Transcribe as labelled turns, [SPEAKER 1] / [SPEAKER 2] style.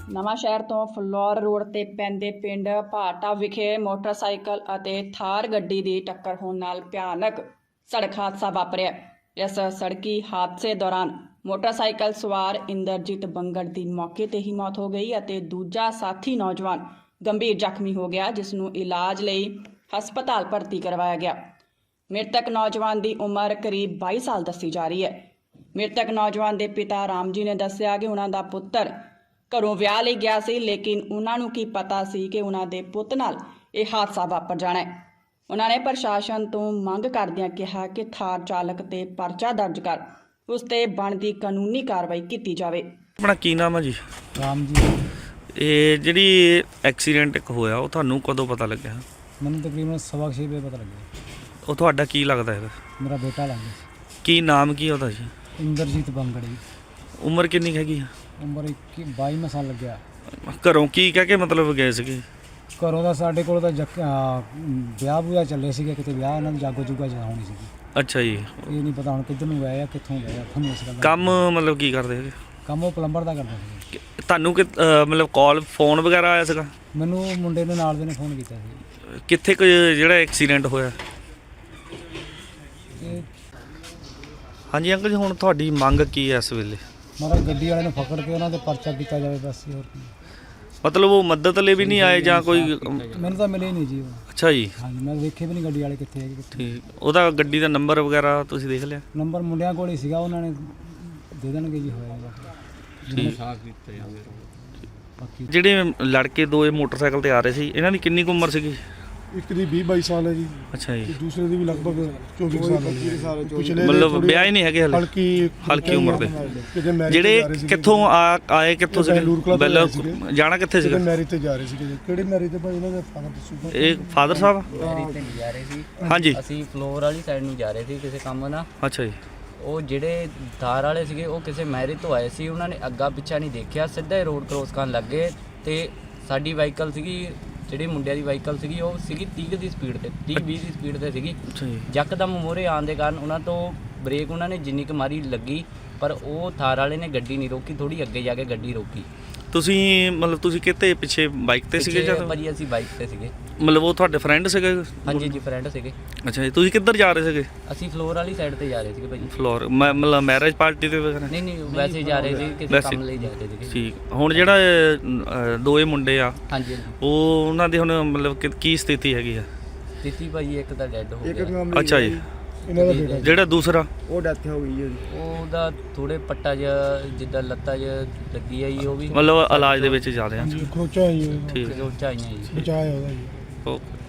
[SPEAKER 1] ਨਵਾਂ ਸ਼ਹਿਰ ਤੋਂ ਫਲੋਰ ਰੋਡ ਤੇ ਪੈਂਦੇ ਪਿੰਡ ਭਾਟਾ ਵਿਖੇ ਮੋਟਰਸਾਈਕਲ ਅਤੇ ਥਾਰ ਗੱਡੀ ਦੀ ਟੱਕਰ ਹੋਣ ਨਾਲ ਭਿਆਨਕ ਸੜਕ ਹਾਦਸਾ ਵਾਪਰਿਆ। ਇਸ ਸੜਕੀ ਹਾਦਸੇ ਦੌਰਾਨ ਮੋਟਰਸਾਈਕਲ ਸਵਾਰ ਇੰਦਰਜੀਤ ਬੰਗੜ ਦੀ ਮੌਕੇ ਤੇ ਹੀ ਮੌਤ ਹੋ ਗਈ ਅਤੇ ਦੂਜਾ ਸਾਥੀ ਨੌਜਵਾਨ ਗੰਭੀਰ ਜ਼ਖਮੀ ਹੋ ਗਿਆ, ਜਿਸ ਨੂੰ ਇਲਾਜ ਲਈ ਹਸਪਤਾਲ ਭਰਤੀ ਕਰਵਾਇਆ ਗਿਆ। ਮ੍ਰਿਤਕ ਨੌਜਵਾਨ ਦੀ ਉਮਰ ਕਰੀਬ 22 ਸਾਲ ਦੱਸੀ ਜਾ ਰਹੀ ਹੈ। ਮ੍ਰਿਤਕ ਨੌਜਵਾਨ ਦੇ ਪਿਤਾ ਰਾਮ ਜੀ ਨੇ ਦੱਸਿਆ ਕਿ ਉਹਨਾਂ ਦਾ ਪੁੱਤਰ ਘਰੋਂ ਵਿਆਹ ਲਈ ਗਿਆ ਸੀ, ਲੇਕਿਨ ਉਹਨਾਂ ਨੂੰ ਕੀ ਪਤਾ ਸੀ ਕਿ ਉਹਨਾਂ ਦੇ ਪੁੱਤ ਨਾਲ ਇਹ ਹਾਦਸਾ ਵਾਪਰ ਜਾਣਾ ਹੈ। ਉਹਨਾਂ ਨੇ ਪ੍ਰਸ਼ਾਸਨ ਤੋਂ ਮੰਗ ਕਰਦਿਆਂ ਕਿਹਾ ਕਿ ਥਾਰ ਚਾਲਕ ਤੇ ਪਰਚਾ ਦਰਜ ਕਰ ਉਸ ਤੇ ਬਣਦੀ ਕਾਨੂੰਨੀ ਕਾਰਵਾਈ ਕੀਤੀ ਜਾਵੇ।
[SPEAKER 2] ਆਪਣਾ ਕੀ ਨਾਮ ਹੈ ਜੀ?
[SPEAKER 3] ਰਾਮ ਜੀ।
[SPEAKER 2] ਇਹ ਜਿਹੜੀ ਐਕਸੀਡੈਂਟ ਇੱਕ ਹੋਇਆ ਉਹ ਤੁਹਾਨੂੰ ਕਦੋਂ ਪਤਾ ਲੱਗਿਆ?
[SPEAKER 3] ਮੈਨੂੰ ਤਕਰੀਬਨ 6:15 ਵਜੇ ਪਤਾ ਲੱਗਿਆ।
[SPEAKER 2] ਉਹ ਤੁਹਾਡਾ ਕੀ ਲੱਗਦਾ ਹੈ?
[SPEAKER 3] ਮੇਰਾ ਬੇਟਾ ਲੱਗਦਾ ਸੀ।
[SPEAKER 2] ਕੀ ਨਾਮ ਕੀ ਉਹਦਾ ਜੀ?
[SPEAKER 3] ਇੰਦਰਜੀਤ ਬੰਗੜ ਜੀ।
[SPEAKER 2] ਉਮਰ ਕਿੰਨੀ ਹੈਗੀ ਆ?
[SPEAKER 3] ਉਮਰ 22 ਸਾਲ ਲੱਗਿਆ।
[SPEAKER 2] ਘਰੋਂ ਕੀ ਕਹਿ ਕੇ ਮਤਲਬ ਗਏ ਸੀਗੇ?
[SPEAKER 3] ਘਰੋਂ ਦਾ ਸਾਡੇ ਕੋਲ ਤਾਂ ਵਿਆਹ ਬੂਆ ਚੱਲੇ ਸੀਗੇ, ਕਿਤੇ ਵਿਆਹ ਇਹਨਾਂ ਦੀ ਜਾਗੋ ਜੁਗਾ ਹੋਣੀ ਸੀਗੀ।
[SPEAKER 2] ਅੱਛਾ ਜੀ।
[SPEAKER 3] ਇਹ ਨਹੀਂ ਪਤਾ ਹੁਣ ਕਿੱਧਰ ਨੂੰ ਗਏ ਆ, ਕਿੱਥੋਂ ਗਏ ਆ, ਤੁਹਾਨੂੰ ਇਸ ਗੱਲ ਦਾ
[SPEAKER 2] ਕੰਮ ਮਤਲਬ ਕੀ ਕਰਦੇ ਹੈਗੇ?
[SPEAKER 3] ਕੰਮ ਉਹ ਪਲੰਬਰ ਦਾ ਕਰਦਾ ਸੀ।
[SPEAKER 2] ਤੁਹਾਨੂੰ ਕਿ ਮਤਲਬ ਕਾਲ ਫੋਨ ਵਗੈਰਾ ਆਇਆ ਸੀਗਾ?
[SPEAKER 3] ਮੈਨੂੰ ਮੁੰਡੇ ਦੇ ਨਾਲ ਦੇ ਨੇ ਫੋਨ ਕੀਤਾ ਸੀ।
[SPEAKER 2] ਕਿੱਥੇ ਕੁ ਜਿਹੜਾ ਐਕਸੀਡੈਂਟ ਹੋਇਆ?
[SPEAKER 3] ਇਹ
[SPEAKER 2] ਹਾਂਜੀ ਅੰਕਲ ਜੀ, ਹੁਣ ਤੁਹਾਡੀ ਮੰਗ ਕੀ ਹੈ ਇਸ ਵੇਲੇ?
[SPEAKER 3] ਮਤਲਬ ਗੱਡੀ ਵਾਲੇ ਨੂੰ ਪਕੜ ਕੇ ਉਹਨਾਂ ਦੇ ਪਰਚਾ ਕੀਤਾ ਜਾਵੇ ਬਸ, ਹੋਰ ਕੀ।
[SPEAKER 2] ਮਤਲਬ ਉਹ ਮਦਦ ਲਈ ਵੀ ਨਹੀਂ ਆਏ ਜਾਂ ਕੋਈ?
[SPEAKER 3] ਮੈਨੂੰ ਤਾਂ ਮਿਲੇ ਨਹੀਂ ਜੀ ਉਹ।
[SPEAKER 2] ਅੱਛਾ ਜੀ,
[SPEAKER 3] ਹਾਂਜੀ, ਮੈਂ ਵੇਖੇ ਵੀ ਨਹੀਂ ਗੱਡੀ ਵਾਲੇ ਕਿੱਥੇ ਹੈਗੇ ਕਿੱਥੇ।
[SPEAKER 2] ਠੀਕ। ਉਹਦਾ ਗੱਡੀ ਦਾ ਨੰਬਰ ਵਗੈਰਾ ਤੁਸੀਂ ਦੇਖ ਲਿਆ?
[SPEAKER 3] ਨੰਬਰ ਮੁੰਡਿਆਂ ਕੋਲ ਹੀ ਸੀਗਾ, ਉਹਨਾਂ ਨੇ ਦੇ ਦੇਣਗੇ ਜੀ, ਹੋਏਗਾ।
[SPEAKER 2] ਠੀਕ।
[SPEAKER 3] ਬਾਕੀ
[SPEAKER 2] ਜਿਹੜੇ ਲੜਕੇ ਦੋ ਇਹ ਮੋਟਰਸਾਈਕਲ ਤੇ ਆ ਰਹੇ ਸੀ, ਇਹਨਾਂ ਦੀ ਕਿੰਨੀ ਕੁ ਉਮਰ ਸੀਗੀ?
[SPEAKER 4] ਇੱਕ ਦੀ 20-22 ਸਾਲ ਹੈ ਜੀ,
[SPEAKER 2] ਅੱਛਾ ਜੀ।
[SPEAKER 4] ਤੇ ਦੂਸਰੇ ਦੀ ਵੀ ਲਗਭਗ 24 ਸਾਲ ਹੈ। ਪਿਛਲੇ
[SPEAKER 2] ਮਤਲਬ ਵਿਆਹ ਹੀ ਨਹੀਂ ਹੈਗੇ ਹਲੇ? ਹਲਕੀ ਉਮਰ ਦੇ। ਜਿਹੜੇ ਕਿੱਥੋਂ ਆਏ ਕਿੱਥੋਂ ਸੀਗੇ? ਬੈਲ ਜਾਣਾ ਕਿੱਥੇ ਸੀਗਾ?
[SPEAKER 4] ਮੈਰਿਜ ਤੇ ਜਾ ਰਹੇ ਸੀਗੇ। ਕਿਹੜੇ ਮੈਰਿਜ ਤੇ ਭਾਈ? ਇਹਨਾਂ ਦੇ ਫਾਦਰ ਦੱਸੂਗਾ।
[SPEAKER 2] ਇਹ ਫਾਦਰ ਸਾਹਿਬ?
[SPEAKER 5] ਮੈਰਿਜ ਤੇ ਨਹੀਂ ਜਾ ਰਹੇ ਸੀ।
[SPEAKER 2] ਹਾਂਜੀ।
[SPEAKER 5] ਅਸੀਂ ਫਲੋਰ ਵਾਲੀ ਸਾਈਡ ਨੂੰ ਜਾ ਰਹੇ ਸੀ ਕਿਸੇ ਕੰਮ ਨਾਲ।
[SPEAKER 2] ਅੱਛਾ ਜੀ।
[SPEAKER 5] ਉਹ ਜਿਹੜੇ ਥਾਰ ਵਾਲੇ ਸੀਗੇ ਉਹ ਕਿਸੇ ਮੈਰਿਜ ਤੋਂ ਆਏ ਸੀ, ਉਹਨਾਂ ਨੇ ਅੱਗਾ ਪਿੱਛਾ ਨਹੀਂ ਦੇਖਿਆ, ਸਿੱਧਾ ਹੀ ਰੋਡ ਕ੍ਰੋਸ ਕਰਨ ਲੱਗੇ ਤੇ ਸਾਡੀ ਵਾਹੀਕਲ ਸੀਗੀ, ਜਿਹੜੀ ਮੁੰਡਿਆਂ ਦੀ ਵਾਹੀਕਲ ਸੀਗੀ ਉਹ ਸੀਗੀ 30 ਦੀ ਸਪੀਡ ਤੇ, 30-20 ਦੀ ਸਪੀਡ ਤੇ ਸੀਗੀ।
[SPEAKER 2] ਅੱਛਾ ਜੀ।
[SPEAKER 5] ਯਕਦਮ ਮੋਹਰੇ ਆਉਣ ਦੇ ਕਾਰਨ ਉਹਨਾਂ ਤੋਂ ਬ੍ਰੇਕ ਉਹਨਾਂ ਨੇ ਜਿੰਨੀ ਕੁ ਮਾਰੀ ਲੱਗੀ, ਪਰ ਉਹ ਥਾਰ ਵਾਲੇ ਨੇ ਗੱਡੀ ਨਹੀਂ ਰੋਕੀ, ਥੋੜੀ ਅੱਗੇ ਜਾ ਕੇ ਗੱਡੀ ਰੋਕੀ।
[SPEAKER 2] ਤੁਸੀਂ ਮਤਲਬ ਤੁਸੀਂ ਕਿਤੇ ਪਿੱਛੇ ਬਾਈਕ ਤੇ ਸੀਗੇ ਜਾਂ?
[SPEAKER 5] ਭਾਜੀ ਅਸੀਂ ਬਾਈਕ ਤੇ ਸੀਗੇ।
[SPEAKER 2] ਮਤਲਬ ਉਹ ਤੁਹਾਡੇ ਫਰੈਂਡ ਸੀਗੇ?
[SPEAKER 5] ਹਾਂਜੀ ਜੀ, ਫਰੈਂਡ ਸੀਗੇ।
[SPEAKER 2] ਅੱਛਾ ਜੀ। ਤੁਸੀਂ ਕਿੱਧਰ ਜਾ ਰਹੇ ਸੀਗੇ?
[SPEAKER 5] ਅਸੀਂ ਫਲੋਰ ਵਾਲੀ ਸਾਈਡ ਤੇ ਜਾ ਰਹੇ ਸੀਗੇ ਭਾਜੀ।
[SPEAKER 2] ਫਲੋਰ ਮਤਲਬ ਮੈਰਿਜ ਪਾਰਟੀ ਤੇ ਵਗੈਰਾ?
[SPEAKER 5] ਨਹੀਂ ਵੈਸੇ ਜਾ ਰਹੇ ਸੀ, ਕਿਸੇ ਕੰਮ ਲਈ ਜਾ ਰਹੇ ਸੀਗੇ।
[SPEAKER 2] ਠੀਕ। ਹੁਣ ਜਿਹੜਾ ਦੋਏ ਮੁੰਡੇ ਆ,
[SPEAKER 5] ਹਾਂਜੀ
[SPEAKER 2] ਉਹ ਉਹਨਾਂ ਦੀ ਹੁਣ ਮਤਲਬ ਕੀ ਸਥਿਤੀ ਹੈਗੀ ਆ?
[SPEAKER 5] ਦਿੱਤੀ ਭਾਜੀ ਇੱਕ ਤਾਂ ਡੈੱਡ ਹੋ ਗਿਆ।
[SPEAKER 2] ਅੱਛਾ ਜੀ।
[SPEAKER 4] ਇਹਨਾਂ ਦਾ ਬੇਟਾ
[SPEAKER 2] ਜਿਹੜਾ ਦੂਸਰਾ?
[SPEAKER 4] ਉਹ ਡੈਥ ਹੋ ਗਈ ਹੈ।
[SPEAKER 5] ਉਹਦਾ ਥੋੜੇ ਪੱਟਾ ਜਿਹਾ ਜਿੱਦਾਂ ਲੱਤਾਂ ਜਿਹਾ ਲੱਗੀ ਆ ਜੀ, ਉਹ ਵੀ
[SPEAKER 2] ਮਤਲਬ ਇਲਾਜ ਦੇ ਵਿੱਚ ਜਾ ਰਹੇ ਆ।
[SPEAKER 4] ਖਰੋਚਾ ਹੀ
[SPEAKER 2] ਠੀਕ।
[SPEAKER 5] ਖਰੋਚਾਂ ਆਈਆਂ ਜੀ।
[SPEAKER 4] ਬਚਾਇਆ ਉਹਦਾ ਜੀ।
[SPEAKER 2] ਓਕੇ।